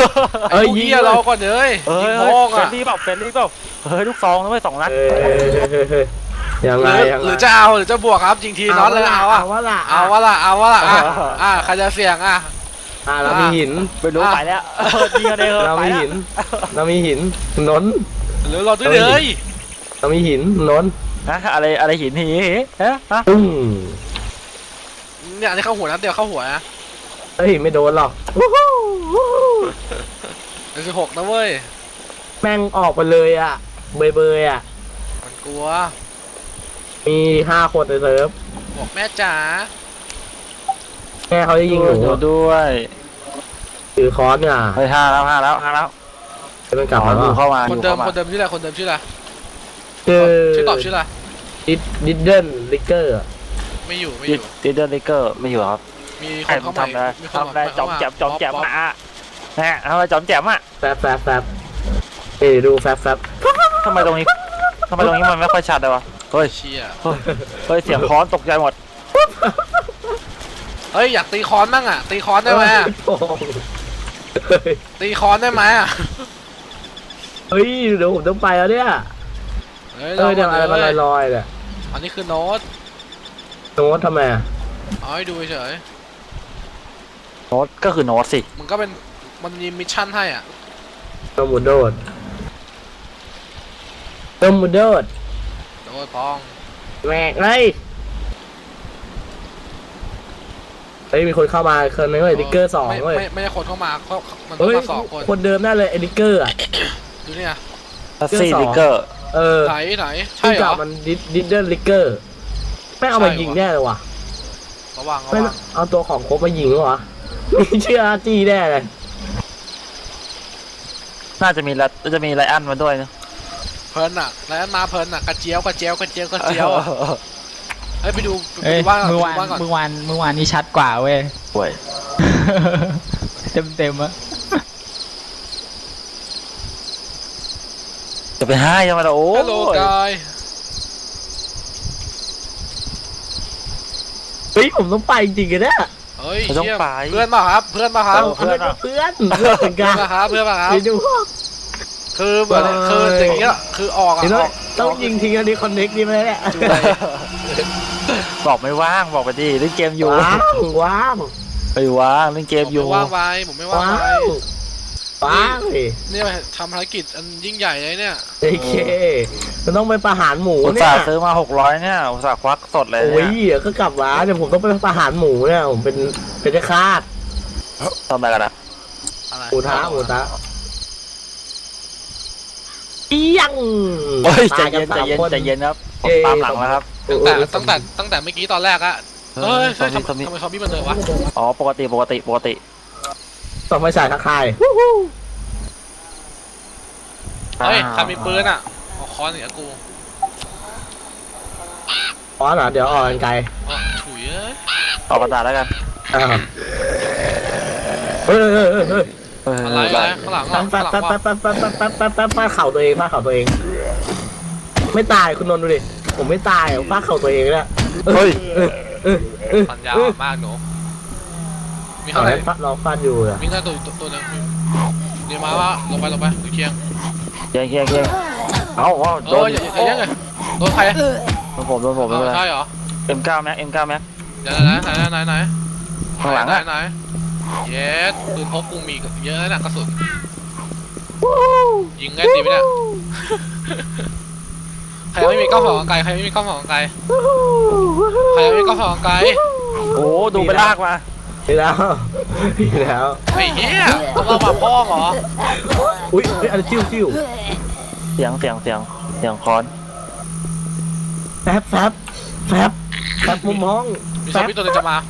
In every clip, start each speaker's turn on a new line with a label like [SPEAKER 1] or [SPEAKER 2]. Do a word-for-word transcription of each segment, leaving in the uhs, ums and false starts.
[SPEAKER 1] ไอ้เหี้ยเราก่อนเลยยิงโป้ง
[SPEAKER 2] เฟร
[SPEAKER 1] อ่ะ
[SPEAKER 2] นลี่เปล่าเฟรนลี่เปล่าเฮ้ยลูกซองนะเว้ยสองนัด
[SPEAKER 3] ยัง
[SPEAKER 1] ห
[SPEAKER 3] ไง
[SPEAKER 1] รือ
[SPEAKER 3] ยัง
[SPEAKER 1] ห
[SPEAKER 3] ไง
[SPEAKER 1] รือจะเอาหรือจะบวกครับจริงทีน็อตเลยเอาอ่ะ
[SPEAKER 3] เอาวะล่ะ
[SPEAKER 1] เอาวะล่ะเอาวะล่ะอ่ะอ่ะใครจะเสี่ยงอ่ะ
[SPEAKER 3] อ่าเรามีหิน
[SPEAKER 2] ไม่รู้ไปแล้วยิงกันเอง
[SPEAKER 3] เรา
[SPEAKER 2] ไป
[SPEAKER 3] มี
[SPEAKER 2] แล้ว
[SPEAKER 3] หิน เรามีหินนนท์
[SPEAKER 1] หรือเราด้วยเลย
[SPEAKER 3] เรามีหินนนท์
[SPEAKER 2] นะอะไรอะไรหินหีเอ๊ะฮะ
[SPEAKER 3] ตึ้ง
[SPEAKER 1] เนี่ยอันนี้เข้าหัวนะเดี๋ยวเข้าหัวนะ
[SPEAKER 3] เฮ้ยไม่โดนหรอก
[SPEAKER 1] เป็นสิบหกนะเว้ย
[SPEAKER 3] แม่งออกไปเลยอ่ะเบยเบยอ่ะ
[SPEAKER 1] มันกลัว
[SPEAKER 3] มีห้าคนในเซิร์ฟ
[SPEAKER 1] บอกแม่จ๋า
[SPEAKER 3] แม่เขาจะยิงหนู
[SPEAKER 2] ดูด้วย
[SPEAKER 3] ถือค้อนเนี่ย
[SPEAKER 2] เฮ้ยห้าแล้วห้าแล้วห้าแล้ว
[SPEAKER 3] จะเป็นกลับมา
[SPEAKER 2] ดู
[SPEAKER 3] แล้ว
[SPEAKER 2] เข้ามา
[SPEAKER 1] คน
[SPEAKER 2] ดู
[SPEAKER 1] เดิม
[SPEAKER 2] เข้ามา
[SPEAKER 1] คนเดิมชื่ออะไรคนเดิมชื่ออะไร
[SPEAKER 3] คือ
[SPEAKER 1] ชื่อตอบชื่ออะไร
[SPEAKER 3] ดิดดิดเดิลลิกเกอร์
[SPEAKER 1] ไม่อยู่ไม่
[SPEAKER 2] ดิ
[SPEAKER 1] อยู่
[SPEAKER 2] ดิเดอร์ลิเกอร์ไม่อยู่ครับ
[SPEAKER 1] มีค
[SPEAKER 2] ใคร
[SPEAKER 1] น
[SPEAKER 2] มั
[SPEAKER 1] เข้าน มา
[SPEAKER 2] ทำอะไร
[SPEAKER 1] มีคน
[SPEAKER 2] ทำอะไรจอมแจมจอมแจม
[SPEAKER 1] ป๊ป
[SPEAKER 2] มาอ่ะนะทำอะไรจอมแจมอ่ะ
[SPEAKER 3] แฟบแฟบแฟบเอ้ยดูแฟบแฟบ
[SPEAKER 2] ทำไมตรงนี้ทำไมตรงนี้มันไม่ค่อยชัดเลยวะเฮ้ย
[SPEAKER 1] เชี่ย
[SPEAKER 2] เฮ้ยเสียงค้อนตกใจหมด
[SPEAKER 1] เฮ้ยอยากตีคอนบ้างอ่ะตีคอนได้ไหมอะ
[SPEAKER 3] โอ้โห
[SPEAKER 1] ตีคอนได้ไหมอ่ะ
[SPEAKER 3] เฮ้ยเดี๋ยวผมต้องไปแล้วเนี่ย
[SPEAKER 1] เฮ้ย
[SPEAKER 3] เออเดี๋ยวอะไรมัน
[SPEAKER 1] เลย
[SPEAKER 3] ลอยๆเนี่ย
[SPEAKER 1] อันนี้คือโน้ต
[SPEAKER 3] โน้ตทำไมอะ
[SPEAKER 1] เอาให้ดูเฉย
[SPEAKER 2] โน้ตก็คือโน้ตสิ
[SPEAKER 1] มันก็เป็นมันมีมิชชั่นให้อ่ะ
[SPEAKER 3] โนมูโดดโนมูโดด
[SPEAKER 1] โดยพอง
[SPEAKER 3] แหวกเลยเฮ้ยมีคนเข้ามาคนนึงเลยดิกเกอร์สอง
[SPEAKER 1] ไม่
[SPEAKER 3] เว้ย
[SPEAKER 1] ไม่ไม่ใช่คนเข้ามาเขามันเข้า
[SPEAKER 3] เฮ้ย
[SPEAKER 1] มาสองคน
[SPEAKER 3] คนเดิมแน่เลยไอ้ดิกเกอร์อ่ะ
[SPEAKER 1] ดูเนี่ย
[SPEAKER 2] ทัสซี่ลิเกอร์
[SPEAKER 3] เออ
[SPEAKER 1] ไหนไหนใช่
[SPEAKER 3] ที่
[SPEAKER 1] เหร
[SPEAKER 3] จั
[SPEAKER 1] อบ
[SPEAKER 3] มันดิดิดเดิลลิกเกอร์ไม่เอามา
[SPEAKER 1] ใช่
[SPEAKER 3] ยิง
[SPEAKER 1] วะ
[SPEAKER 3] แน่เลยว่ะ
[SPEAKER 1] ระวังระ
[SPEAKER 3] ไม่
[SPEAKER 1] วัง
[SPEAKER 3] เอาตัวของครบมายิงเหรอวะไม่เชื่ออาร์จีแน่เลย
[SPEAKER 2] น่าจะมีละจะมีไลอันมาด้วยนะ
[SPEAKER 1] เพลินอ่ะแล้วมาเพลินอ่ะกระเจียวกระเจียวกระเจียวกระเจียวอะเฮ้ยไปดูไป
[SPEAKER 4] เอ้ย
[SPEAKER 1] ดูบ้านก่อน
[SPEAKER 4] เมื่อ
[SPEAKER 1] ไป
[SPEAKER 4] วาน
[SPEAKER 1] ดูบ้านก่อน
[SPEAKER 4] เมื่อวานเมื่อวานนี้ชัดกว่าเว้ย
[SPEAKER 2] ป่วย
[SPEAKER 4] เต็มเต็มอะ
[SPEAKER 2] จะไปให้ยังไงล่ะโอ้
[SPEAKER 1] ฮัลโหลกาย
[SPEAKER 3] เฮ้ยผมต้องไปจริงๆกันเนี่ย
[SPEAKER 1] เฮ้ยเชี่ยเพื่อนมาครับเพื่อนมาครับ
[SPEAKER 3] เพื่อนเพื่อนเพื่อนเหมือน
[SPEAKER 1] เพื่
[SPEAKER 3] กั
[SPEAKER 1] อน
[SPEAKER 3] น
[SPEAKER 1] มาครับเพื่อนมาครับ
[SPEAKER 3] ไปดู
[SPEAKER 1] คือเหมือน
[SPEAKER 3] เออ
[SPEAKER 1] คืออย่างเงี้ยคือออกอ่ะ
[SPEAKER 3] เห็น
[SPEAKER 1] อ
[SPEAKER 3] ไหม
[SPEAKER 1] อก
[SPEAKER 3] ต้องยิงทิ้งอันนี้คอนเน็กดีไหมเนี่ย
[SPEAKER 1] จูเลย
[SPEAKER 2] บอกไม่ว่างบอกไปดิเล่นเกมอยู่
[SPEAKER 3] ว้าวว้าว
[SPEAKER 2] ไปว่างเล่นเกม
[SPEAKER 1] ผม
[SPEAKER 2] อยู่
[SPEAKER 1] ไม่ว่างไปผมไม่ว่าง
[SPEAKER 3] ว้า
[SPEAKER 1] ไป
[SPEAKER 3] วว้าวเลย
[SPEAKER 1] เนี่ยทำภารกิจอันยิ่งใหญ่เลยเนี่ย
[SPEAKER 3] โอเคมันต้องไปประหารหมู
[SPEAKER 2] อุต
[SPEAKER 3] เนี่
[SPEAKER 2] ส่าย ห์ซื้อมาหกร้อยเนี่ยอุตส่าห์ควักสดเลย
[SPEAKER 3] โอ้ย
[SPEAKER 2] เนี่ย
[SPEAKER 3] เดี๋ยวก็กลับมาเดี๋ยวผมต้องไปประหารหมูเนี่ยผมเป็นเป็นเจ้าคาด
[SPEAKER 2] ทำอะไรกันนะ
[SPEAKER 1] อะไร
[SPEAKER 3] หมูท้าหมูท้าเอียง
[SPEAKER 2] โอ้ยใจ
[SPEAKER 3] ตากั
[SPEAKER 2] เย็นใจ
[SPEAKER 3] สาม
[SPEAKER 2] เย็น
[SPEAKER 3] คน
[SPEAKER 2] ใจเย็นครับผม
[SPEAKER 3] เอ้ย
[SPEAKER 2] ตามหลังแล้วครับ
[SPEAKER 1] ตั้งแต่ตั้งแต่ตั้งแต่เมื่อกี้ตอนแรกอะเฮ้ย
[SPEAKER 2] ซอ
[SPEAKER 1] เฮ้
[SPEAKER 2] ม
[SPEAKER 1] ย
[SPEAKER 2] บี้
[SPEAKER 1] ทำ
[SPEAKER 2] ซอมบี้
[SPEAKER 1] ทำไมซอมบี้มันเดินวะ
[SPEAKER 2] อ๋อปกติปกติปกติ
[SPEAKER 3] ต้องไปใส่ทักทาย
[SPEAKER 1] เฮ้ยใครมีปืนอ่ะเอาค้อนเหนือกู
[SPEAKER 3] อ๋อเหรอเดี๋ยวอ่อนไกล
[SPEAKER 1] อ๋อถุยเอ้ย
[SPEAKER 2] ออกกระดาษแล้วกัน
[SPEAKER 3] อ้าวเฮ้ยเฮ้ยเฮ้ยเฮ้ย
[SPEAKER 2] เออ
[SPEAKER 1] อะไรอะไรข้างหลังอ่ะ
[SPEAKER 3] ปั๊
[SPEAKER 1] ข้า
[SPEAKER 3] บ
[SPEAKER 1] งหลัง
[SPEAKER 3] ปั๊บ
[SPEAKER 1] วะ
[SPEAKER 3] ปั๊บปั๊บปั๊บปั๊บปั๊บปั๊บปั๊บเข่าตัวเองฟาดเข่าตัวเอง ไม่ตายคุณนนท์ดูดิผมไม่ตายผมฟาดเข่าตัวเองเนี่ย
[SPEAKER 2] เฮ้ย
[SPEAKER 1] สัญญาอ่อนมากหนูมี
[SPEAKER 3] เอา
[SPEAKER 1] เท่าไห
[SPEAKER 3] ไห
[SPEAKER 1] ร่
[SPEAKER 3] นฟาดเราฟาดอยู่อะ
[SPEAKER 1] มีแค่ตัวตัวตัวนึงเดี๋ยวมาวะลงไปลงไปดูเคียง
[SPEAKER 2] เคียงเคียงเคียงเอาเอา
[SPEAKER 1] เอ
[SPEAKER 2] โด
[SPEAKER 1] อน อย่าอย่ายังไงโดนใครอะ
[SPEAKER 2] โดนผมโดนผมไม่เป็นไร
[SPEAKER 1] ใช่เหรอ
[SPEAKER 2] เอ็มเก้าแม็กเอ็มเก้าแม็ก
[SPEAKER 1] เดี๋ยวไหนไหนไหนไหน
[SPEAKER 2] ข้างหลัง
[SPEAKER 1] ไหน
[SPEAKER 2] อะ
[SPEAKER 1] ไหนเย็ดปืนพกกูมีเยอะนะกระสุนยิงง่ายดีไหมเนี่ยใครไม่มีกล้องส่องไกลใครไม่มีกล้องส่องไกลใครไม่มีกล้องส่องไกล
[SPEAKER 2] โอ้ดูไปลากมา
[SPEAKER 3] นี่แล้วนี่แล้ว
[SPEAKER 1] ไอ้เหี้ยต้องเอามาพ่อเหรอ
[SPEAKER 3] อุ้ยเฮ้ยอะไรจิ้วจิ้ว
[SPEAKER 2] เสียงเสียงเสียงเสียงคอน
[SPEAKER 3] แฟบแฟบแฟบแฟบมุมห้อง
[SPEAKER 1] มี
[SPEAKER 3] แฟ
[SPEAKER 1] ซอบ มบี้ตัวนึงจะมา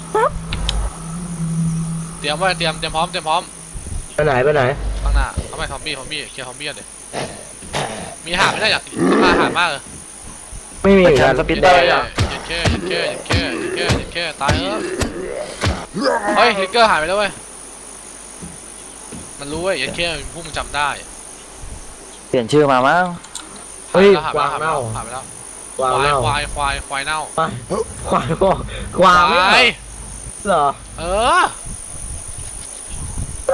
[SPEAKER 1] เตรียมไว้เตรียมเตรียมพร้อมเตรียมพร้อม
[SPEAKER 3] ไปไหนไปไหน
[SPEAKER 1] ข้างหน้าทำไมซอมบี้ซอมบี้เคลียร์ซอมบี้กันดิมีอาหารไม่ได้อยากอาหารมากเลย
[SPEAKER 3] ไม่มีเหมือน
[SPEAKER 2] กา
[SPEAKER 3] กั
[SPEAKER 2] ร
[SPEAKER 3] น
[SPEAKER 2] สปินได้
[SPEAKER 1] เย้
[SPEAKER 2] อะ
[SPEAKER 1] ยัดแค่ยัดแค่ยัดแค่ยัดแค่ยัดแค่ตายเออเฮ้ยลิกเกอร์หายไปแล้วเว้ยมันรู้เว้ยยัดแค่พวกมึงจำได้
[SPEAKER 2] เปลี่ยนชื่อมามั้ง
[SPEAKER 3] เฮ้ย
[SPEAKER 1] หาย
[SPEAKER 3] ก
[SPEAKER 1] ไป
[SPEAKER 3] วาง
[SPEAKER 1] แล้ว
[SPEAKER 3] เน่า
[SPEAKER 1] หายไปแล้ว
[SPEAKER 3] กวางเน่า
[SPEAKER 1] ควายควายควายเน่า
[SPEAKER 3] ไปควายบอกกวางไม่
[SPEAKER 1] ควาย
[SPEAKER 3] เหรอ
[SPEAKER 1] เออ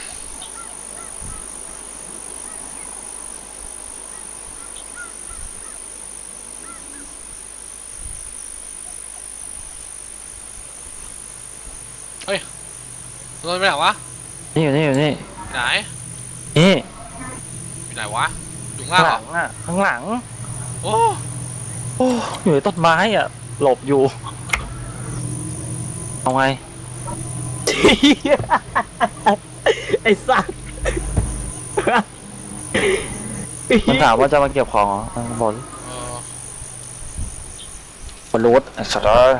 [SPEAKER 1] นนท์ไปไหนวะ
[SPEAKER 2] นี่อยู่นี่อยู่นี่
[SPEAKER 1] ไหน
[SPEAKER 2] นี่
[SPEAKER 1] อยู่ไหนวะอยู่ข้าง
[SPEAKER 2] ข้าง
[SPEAKER 1] ล่าง
[SPEAKER 2] ห
[SPEAKER 1] เหรอ
[SPEAKER 2] ลังอ่ะข้างหลัง
[SPEAKER 1] โอ้
[SPEAKER 2] โอ้อยู่ในต้นไม้อ่ะ หลบอยู่เอาไง
[SPEAKER 3] ไอ้สัส
[SPEAKER 2] มันถามว่าจะมาเก็บของเหรออ่ะบอกดิ
[SPEAKER 1] เออบ
[SPEAKER 2] อลลูดไอ้สัตว์เอ้ย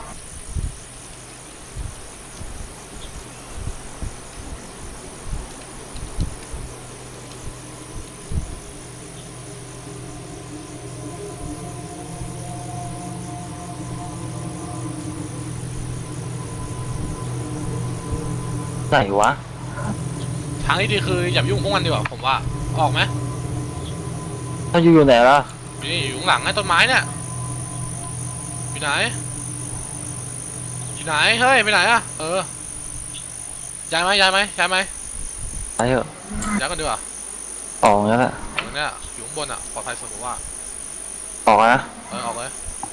[SPEAKER 2] ไหนวะ
[SPEAKER 1] ทางที่ดีคืออย่าไปยุ่งพวกมันดีกว่าผมว่าออกไหม
[SPEAKER 2] ถ้าอยู่อยู่ไหนล่ะ
[SPEAKER 1] อยู่นี่อยู่ข้างหลังไอ้ต้นไม้เนี่ยอยู่ไหนอยู่ไหนเฮ้ยไปไหนอะเออย้ายไหมย้ายไหมย้ายไหม
[SPEAKER 2] ไปเถอะ
[SPEAKER 1] ย้ายกันดีกว่า
[SPEAKER 2] ออกงั้นแหละ
[SPEAKER 1] ตรงเนี้ยอยู่ข้างบนอะปลอดภัยสุดผมว่า
[SPEAKER 2] ออกนะ
[SPEAKER 1] เออออกเลย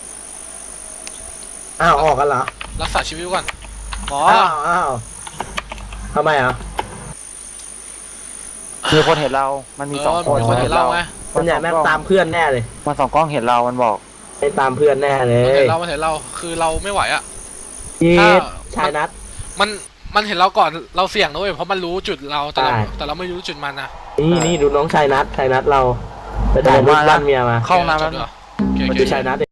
[SPEAKER 3] อ้าวออกกันเหรอ
[SPEAKER 1] รักษาชีวิตก่อนหมอ
[SPEAKER 3] อ้าวอ้าวทำไมอ่ะ
[SPEAKER 2] มีคนเห็นเรา มันมี
[SPEAKER 1] เอ
[SPEAKER 2] สอง
[SPEAKER 1] อ
[SPEAKER 2] คน
[SPEAKER 1] มีคนเห็นเราไง
[SPEAKER 3] มันอยากแม่งตามเพื่อนแน่เลย
[SPEAKER 2] มันสองกล้องเห็นเรา มันบอก
[SPEAKER 3] ไม่ตามเพื่อนแน่เล
[SPEAKER 1] มัน
[SPEAKER 3] ย
[SPEAKER 1] เห็นเรามันเห็นเราคือเราไม่ไหวอะ
[SPEAKER 3] ยี
[SPEAKER 1] ถ้า
[SPEAKER 3] ดชายนัด
[SPEAKER 1] มันมันเห็นเราก่อนเราเสี่ยงนะเว้ยเพราะมันรู้จุดเราแต่เรา
[SPEAKER 3] ใช่
[SPEAKER 1] แต่เราไม่รู้จุดมันนะ
[SPEAKER 3] นี่นี่ดูน้องชายนัดชายนัดเราไปถ่ายรูปบ้านเมียมา
[SPEAKER 2] เข้าห้องน้ำแล้ว
[SPEAKER 1] จบดีกว่าโอเคโอ
[SPEAKER 3] มา
[SPEAKER 1] เค
[SPEAKER 3] ดูชายนัด